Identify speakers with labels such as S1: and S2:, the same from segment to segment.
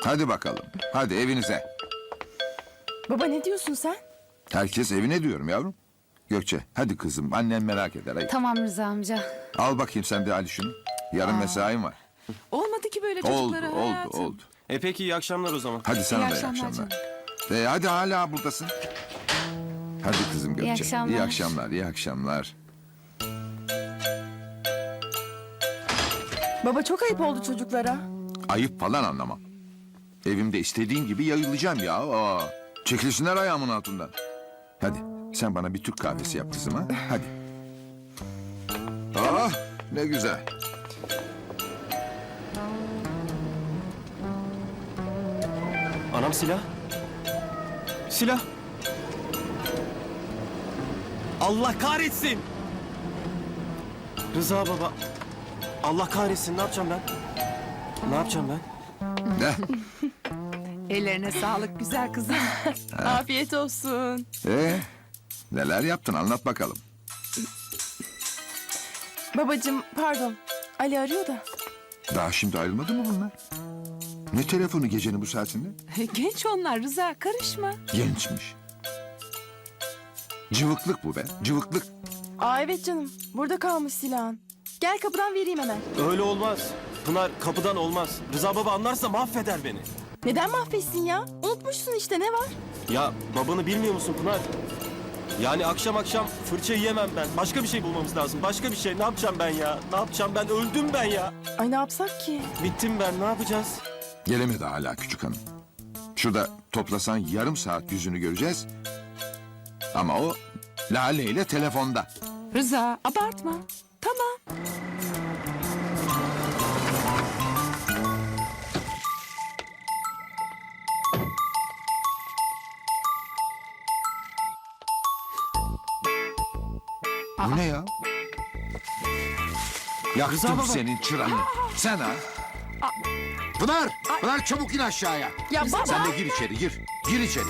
S1: Hadi bakalım. Hadi evinize.
S2: Baba ne diyorsun sen?
S1: Herkes evine diyorum yavrum. Gökçe hadi kızım annen merak eder. Hadi.
S3: Tamam Rıza amca.
S1: Al bakayım sen de Ali şunu. Yarın mesain var.
S4: Olmadı ki böyle
S1: Oldu
S4: çocuklara
S1: oldu
S4: hayatım.
S1: oldu.
S5: Peki iyi akşamlar o zaman.
S1: Hadi sana
S3: İyi
S1: da iyi
S3: akşamlar
S1: akşamlar. Hadi hala buradasın. Hadi kızım Gökçe.
S3: akşamlar.
S1: İyi akşamlar, iyi akşamlar.
S2: Baba çok ayıp oldu çocuklara.
S1: Ayıp falan anlamam. Evimde istediğim gibi yayılacağım ya. Aa, çekilsinler ayağımın altından. Hadi sen bana bir Türk kahvesi yap kızım ha. Hadi. Ah ne güzel.
S5: Anam silah. Silah. Allah kahretsin. Rıza baba. Allah kahretsin ne yapacağım ben? Ne yapacağım ben?
S1: Ne?
S4: Ellerine sağlık güzel kızım.
S2: Afiyet olsun.
S1: Neler yaptın anlat bakalım.
S2: Babacığım pardon. Ali arıyor da.
S1: Daha şimdi ayrılmadı mı bunlar? Ne telefonu gecenin bu saatinde?
S4: Genç onlar Rıza karışma.
S1: Gençmiş. Cıvıklık bu be, cıvıklık.
S2: Aa evet canım. Burada kalmış silahın. Gel kapıdan vereyim hemen.
S5: Öyle olmaz. Pınar kapıdan olmaz. Rıza baba anlarsa mahveder beni.
S2: Neden mahvetsin ya? Unutmuşsun işte ne var?
S5: Ya babanı bilmiyor musun Pınar? Yani akşam akşam fırça yiyemem ben. Başka bir şey bulmamız lazım. Başka bir şey. Ne yapacağım ben ya? Ne yapacağım ben? Öldüm ben ya.
S2: Ay ne yapsak ki?
S5: Bittim ben. Ne yapacağız?
S1: Gelemedi hala küçük hanım. Şurada toplasan yarım saat yüzünü göreceğiz. Ama o Lale ile telefonda.
S4: Rıza abartma. Tamam.
S1: Bu ne ya? Yaktım
S5: Rıza baba.
S1: senin çıranı. Sen ha? Pınar! Pınar çabuk in aşağıya.
S2: Ya baba.
S1: Sen de gir içeri gir. Gir içeri.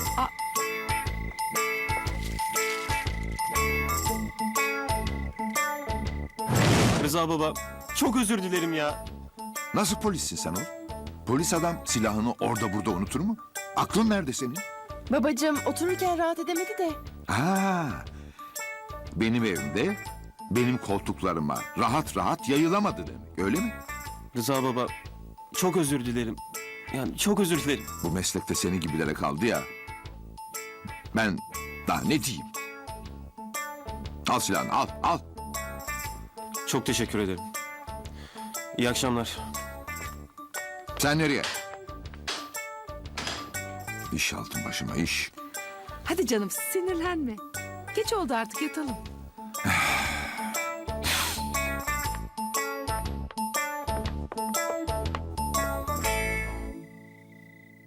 S5: Rıza baba çok özür dilerim ya.
S1: Nasıl polissin sen o? Polis adam silahını orada burada unutur mu? Aklın nerede senin?
S2: Babacığım otururken rahat edemedi de.
S1: Ha, benim evimde benim koltuklarıma rahat rahat yayılamadı demek öyle mi?
S5: Rıza baba çok özür dilerim. Yani çok özür dilerim.
S1: Bu meslekte senin gibilere kaldı ya. Ben daha ne diyeyim? Al silahını al al.
S5: Çok teşekkür ederim. İyi akşamlar.
S1: Sen nereye? İş altın başıma iş.
S4: Hadi canım sinirlenme. Geç oldu artık yatalım.